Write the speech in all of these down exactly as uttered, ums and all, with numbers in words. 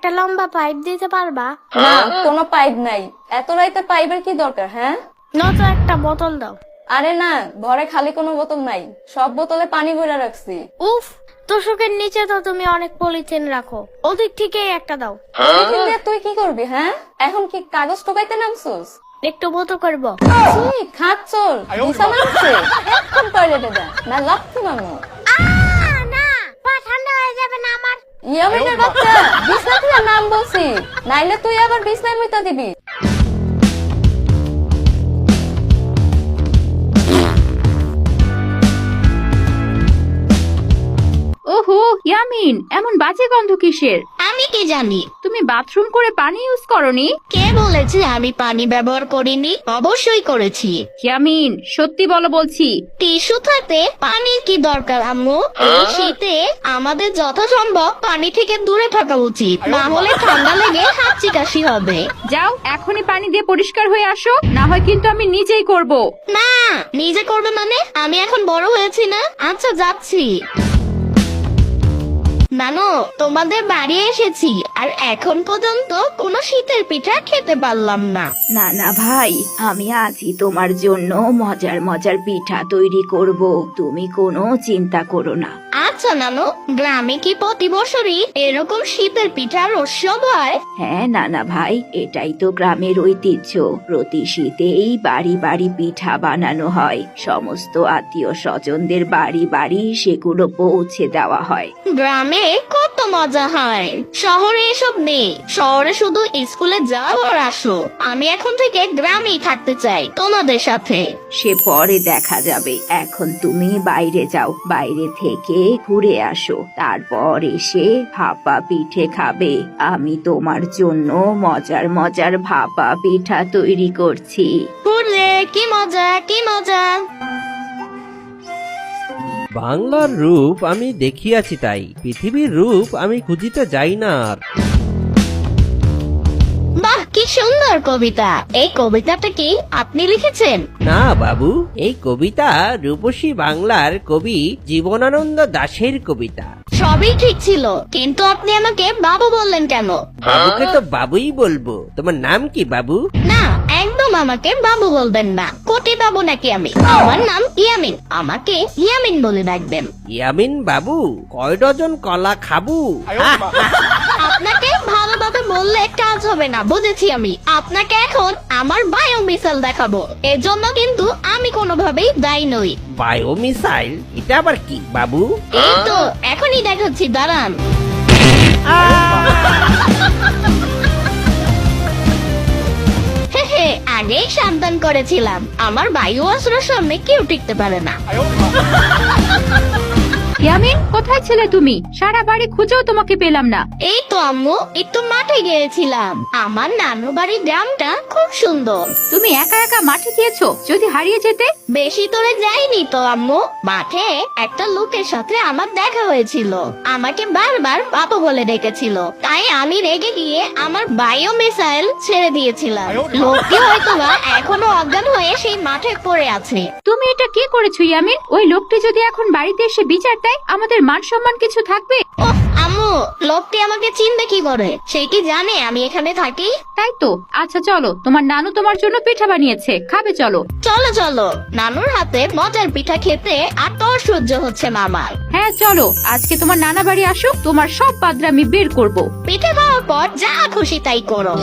একটা লম্বা পাইপ দিতে পারবা? না, কোনো পাইপ নাই। এত রাইতে পাইপের কি দরকার? হ্যাঁ, নয়তো একটা বোতল দাও। আরে না, ঘরে খালি কোনো বোতল নাই, সব বোতলে পানি ভরে রাখছি। উফ, তোষকের নিচে তো তুমি অনেক পলিথিন রাখো, ওদিক থেকেই একটা দাও। পলিথিন দিয়ে তুই কি করবি? হ্যাঁ, এখন কি কাগজ ঠোকাইতে নামছুস? একটু মতো করবো। খাত চল, দিশা মারছে, এখন টয়লেটে যা, না লাফতি মামু। না, পা ঠান্ডা হয়ে যাবে না আমার। ইয়ামিনের বাচ্চা, বিছনা থেকে নাম বলছি, নাইলে তুই আবার বিছনায় মুইতা দিবি। ওহো ইয়ামিন, এমন বাজে গন্ধ কিসের? আমি কি জানি? তুমি বাথরুম করে পানি ইউজ করনি? কে বলেছে আমি পানি ব্যবহার করিনি? অবশ্যই করেছি। ইয়ামিন, সত্যি বলো বলছি। টিস্যু থাকতে পানির কি দরকার আম্মু? এই শীতে আমাদের যথাসম্ভব পানি থেকে দূরে থাকা উচিত, না হলে ঠান্ডা লেগে হাঁচি কাশি হবে। যাও, এখনই পানি দিয়ে পরিষ্কার হয়ে আসো, না হয় কিন্তু আমি নিজেই করব। না, নিজে করবে মানে? আমি এখন বড় হয়েছি না? আচ্ছা, যাচ্ছি। নানু, তোমাদের বাড়ি এসেছি আর এখন পর্যন্ত কোনো শীতের পিঠা খেতে পারলাম না। না না ভাই, আমি আজই তোমার জন্য মজার মজার পিঠা তৈরি করব, তুমি কোনো চিন্তা করো না। আচ্ছা নানু, গ্রামে কি প্রতি বছরই এরকম শীতের পিঠার উৎসব হয়? হ্যাঁ নানা ভাই, এটাই তো গ্রামের ঐতিহ্য। প্রতি শীতেই বাড়ি বাড়ি পিঠা বানানো হয়, সমস্ত আত্মীয় স্বজনদের বাড়ি বাড়ি সেগুলো পৌঁছে দেওয়া হয়। গ্রামে কত মজা হয়, শহরে এসব নেই। শহরে শুধু স্কুলে যাও আর আসো। আমি এখন থেকে গ্রামেই থাকতে চাই তোমাদের সাথে। সে পরে দেখা যাবে, এখন তুমি বাইরে যাও, বাইরে থেকে ঘুরে আসো, তারপর এসে ভাপা পিঠে খাবে। আমি তোমার জন্য মজার মজার ভাপা পিঠা তৈরি করছি। ঘুরলে কি মজা, কি মজা। বাংলার রূপ আমি দেখিয়াছি, তাই পৃথিবীর রূপ আমি খুঁজিতে যাই না আর। বাহ, কি সুন্দর কবিতা। এই কবিতাটা কি আপনি লিখেছেন? না বাবু, এই কবিতা রূপসী বাংলার কবি জীবনানন্দ দাশের কবিতা। সবই ঠিক ছিল, কিন্তু আপনি আমাকে বাবু বললেন কেন? বাবুকে তো বাবুই বলবো। তোমার নাম কি বাবু? না, একদম আমাকে বাবু বলবেন না। কোটি বাবু নাকি আমি? আমার নাম ইয়ামিন, আমাকে ইয়ামিন বলে ডাকবেন। ইয়ামিন বাবু, কয় ডজন কলা খাবু? আপনাকে ভালোভাবে বললে কাজ হবে না, বুঝেছি আমি। আপনাকে এখন আমার বায়ো মিসাইল দেখাবো, এর জন্য কিন্তু আমি কোনোভাবেই দায়ী নই। Bio missile? এটা আবার কি বাবু? এই তো এখনই দেখাচ্ছি, দাঁড়ান। হেহে, আগেই সাবধান করেছিলাম, আমার বায়ু অস্ত্রের সামনে কেউ টিকতে পারে না। ইয়ামিন, কোথায় ছিলে তুমি? সারা বাড়ি খুঁজেও তোমাকে পেলাম না। এই তো আম্মু, একটু মাঠে গিয়েছিলাম। আমার নানু বাড়ির গ্রামটা খুব সুন্দর। তুমি একা একা মাঠে গিয়েছো? যদি হারিয়ে যেতে? বেশি দূরে যাইনি তো আম্মু, মাঠে একটা লোকের সাথে আমার দেখা হয়েছিল। আমাকে বারবার বাবু বলে ডেকেছিল, তাই আমি রেগে গিয়ে আমার বায়ো মিসাইল ছেড়ে দিয়েছিলাম। লোকটি হয়তোবা এখনো অজ্ঞান হয়ে সেই মাঠে পড়ে আছে। তুমি এটা কি করেছো ইয়ামিন? ওই লোকটি যদি এখন বাড়িতে এসে বিচার দেয়, আমাদের মান সম্মান কিছু থাকবে? ওহ আম্মু, লোকটি আমাকে চিনতে কি করে? সে কি জানে আমি এখানে থাকি? তাই তো। আচ্ছা চলো, তোমার নানু তোমার জন্য পিঠা বানিয়েছে, খাবে চলো। চলো চলো, নানুর হাতে মজার পিঠা খেতে আর তোর সহ্য হচ্ছে না আমার। হ্যাঁ চলো, আজকে তোমার নানা বাড়ি আসুক, তোমার সব বাদরা আমি বের করব। পিঠে খাওয়ার পর যা খুশি তাই করো।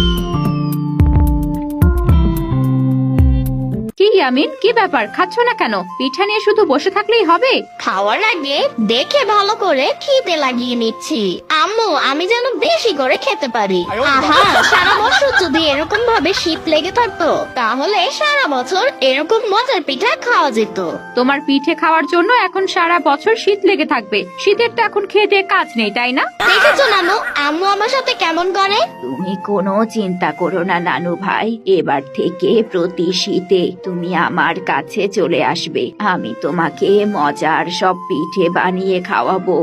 কি ইয়ামিন, কি ব্যাপার? খাচ্ছ না কেন? পিঠা নিয়ে শুধু বসে থাকলেই হবে? খাওয়ার আগে দেখে ভালো করে খিদে লাগিয়ে নিচ্ছি আম্মু, আমি যেন বেশি করে খেতে পারি। আহা, সারা বছর যদি এরকম ভাবে শীত লেগে থাকতো, তাহলে সারা বছর এরকম মজার পিঠা খাওয়া যেত। তোমার পিঠে খাওয়ার জন্য এখন সারা বছর শীত লেগে থাকবে। শীতের তো এখন খেয়ে দেয়ে কাজ নেই, তাই না? দেখেছো নানু, আম্মু আমার সাথে কেমন করে? তুমি কোনো চিন্তা করো না নানু ভাই, এবার থেকে প্রতি শীতে তুমি আমার কাছে চলে আসবে, আমি তোমাকে মজার সব পিঠে বানিয়ে খাওয়াবো।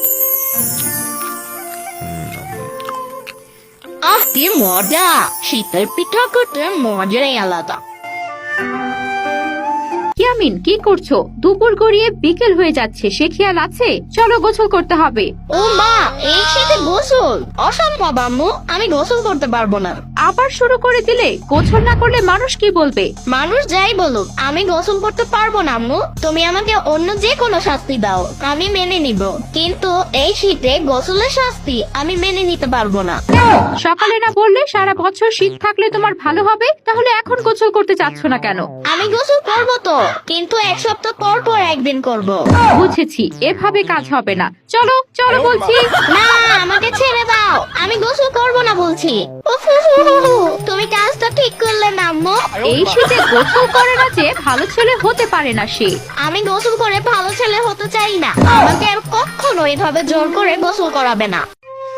আহ, কি মজা! শীতের পিঠা করতে মজাই আলাদা। ইয়ামিন, কি করছো? দুপুর গড়িয়ে বিকেল হয়ে যাচ্ছে, সে খেয়াল আছে? চলো গোসল করতে হবে। ও মা, এই শীতে গোসল অসম্ভব আম্মু, আমি গোসল করতে পারবো না। আবার শুরু করে দিলে? গোসল না করলে মানুষ কি বলবে? মানুষ যাই বলুক, আমি গোসল করতে পারবো না আম্মু। তুমি আমাকে অন্য যে কোনো শাস্তি দাও, আমি মেনে নিব, কিন্তু এই শীতে গোসলের শাস্তি আমি মেনে নিতে পারবো না। সকালে না বললে সারা বছর শীত থাকলে তোমার ভালো হবে, তাহলে এখন গোসল করতে চাচ্ছ না কেন? আমি গোসল করবো তো, কিন্তু এক সপ্তাহ পর পর একদিন করব। বুঝেছি, এভাবে কাজ হবে না। চলো চলো বলছি। না, আমাকে ছেড়ে দাও, আমি গোসল করবো না বলছি। উফ, তুমি কাজটা ঠিক করলে না আম্মু। এই শীতে গোসল করে না যে ভালো ছেলে হতে পারে না সে। আমি গোসল করে ভালো ছেলে হতে চাই না, আমাকে আর কখনো এভাবে জোর করে গোসল করাবে না।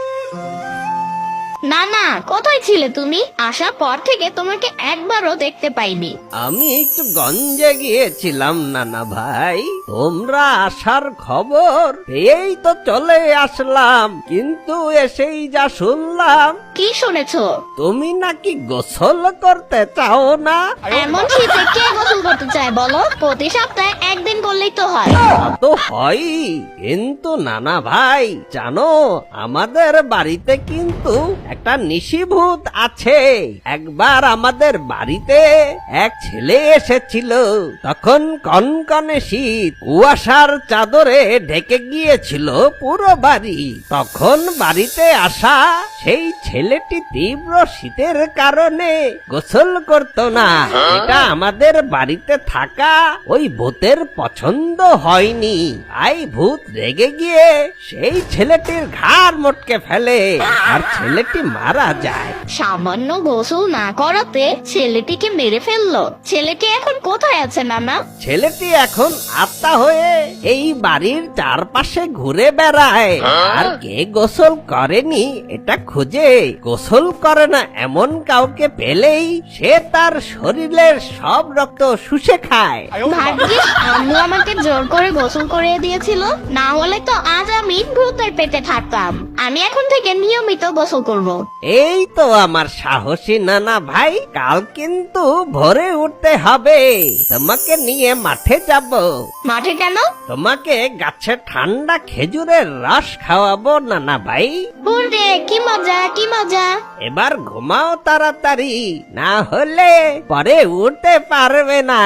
না না, কোথায় ছিলে তুমি? আসার পর থেকে তোমাকে একবারও দেখতে পাইনি। আমি একটু গঞ্জে গিয়েছিলাম নানা ভাই, তোমরা আসার খবর এই তো চলে আসলাম, কিন্তু এসেই যা শুনলাম কি শুনেছো? তুমি নাকি গোসল করতে চাও না। এমন শীতে কে গোসল করতে চায় বলো? প্রতি সপ্তাহে একদিন করলেই তো হয়। তা তো হয়, কিন্তু নানা ভাই জানো, আমাদের বাড়িতে কিন্তু একটা নিশিভূত আছে। একবার আমাদের বাড়িতে এক ছেলে এসেছিল, তখন কনকনে শীত, কুয়াশার চাদরে ঢেকে গিয়েছিল পুরো বাড়ি। তখন বাড়িতে আসা সেই ছেলেটি তীব্র শীতের কারণে গোসল করত না। এটা আমাদের বাড়িতে থাকা ওই ভূতের পছন্দ হয়নি, তাই ভূত রেগে গিয়ে সেই ছেলেটির ঘাড় মটকে ফেলে, আর ছেলেটি মারা যায়। সামান্য গোসল না করাতে ছেলেটিকে মেরে ফেললো। ছেলেটি এখন কোথায় আছে নানা? ছেলেটি এখন আত্মা হয়ে এই বাড়ির চারপাশে ঘুরে বেড়ায়, আর কে গোসল করেনি এটা খুঁজে গোসল করে না এমন কাউকে পেলেই সে তার শরীরের সব রক্ত শুষে খায়। ভাগ্যিস আম্মু আমাকে জোর করে গোসল করিয়ে দিয়েছিল, না হলে তো আজ আমি ভূতের পেটে থাকতাম। আমি এখন থেকে নিয়মিত গোসল করব। এই তো আমার সাহসী নানা ভাই, কাল কিন্তু ভোরে উঠতে হবে, তোমাকে নিয়ে মাঠে যাব। মাঠে কেন? তোমাকে গাছে ঠান্ডা খেজুরের রস খাওয়াবো নানা ভাই। বুড়ে, কি মজা কি মজা। এবার ঘুমাও তাড়াতাড়ি, না হলে পরে উঠতে পারবে না।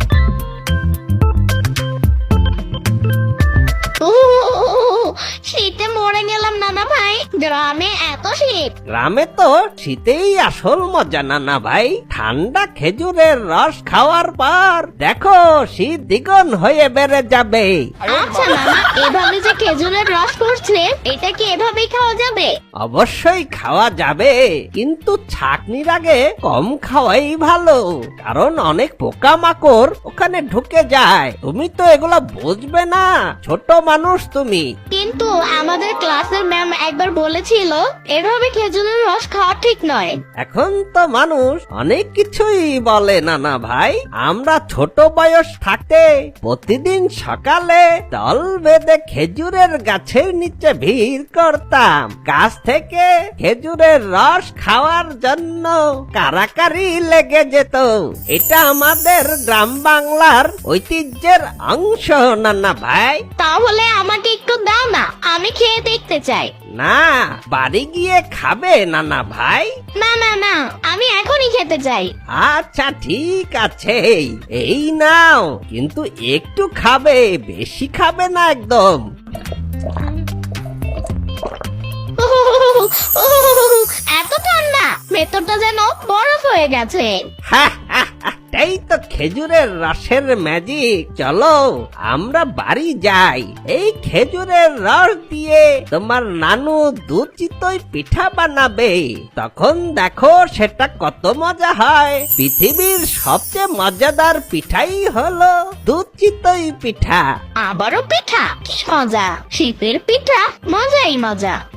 উহ, শীতে মরে গেলাম নানা ভাই, গ্রামে এত শীত। গ্রামে তো শীতেই আসল মজা নানা ভাই, ঠান্ডা খেজুরের রস খাওয়ার পর দেখো শীত দ্বিগুণ হয়ে বেড়ে যাবে। আচ্ছা নানা, এভাবে যে খেজুরের রস করছে, এটা কি এভাবেই খাওয়া যাবে? অবশ্যই খাওয়া যাবে, কিন্তু ছাকনির আগে কম খাওয়াই ভালো, কারণ অনেক পোকামাকড় ওখানে ঢুকে যায়। তুমি তো এগুলো বুঝবে না, ছোট মানুষ তুমি। কিন্তু আমাদের ক্লাসের ম্যাম একবার বলেছিল এভাবে খেজুরের রস খাওয়া ঠিক নয়। এখন তো মানুষ অনেক কিছুই বলে নানা ভাই। আমরা ছোট বয়স থাকতে প্রতিদিন সকালে দল বেঁধে খেজুরের গাছের নিচে ভিড় করতাম, গাছ থেকে খেজুরের রস খাওয়ার জন্য কারাকারি লেগে যেত। এটা আমাদের গ্রাম বাংলার ঐতিহ্যের অংশ নানা ভাই। তাহলে আমাকে একটু দাও না, আমি খেয়ে দেখতে চাই। না, বাড়ি গিয়ে খাবে নানা ভাই। না না না, আমি এখনই খেতে চাই। আচ্ছা ঠিক আছে, এই নাও, কিন্তু একটু খাবে, বেশি খাবে না একদম। এত ঠান্ডা, ভেতরটা যেন বরফ হয়ে গেছে। হা, হা, হা, এই তো খেজুরের রসের ম্যাজিক। চলো আমরা বাড়ি যাই, এই খেজুরের রস দিয়ে তোমার নানু দুধ চিতই পিঠা বানাবে, তখন দেখো সেটা কত মজা হয়। পৃথিবীর সবচেয়ে মজাদার পিঠাই হলো দুধ চিতই পিঠা। আবারও পিঠা, কি মজা! শীতের পিঠা মজাই মজা।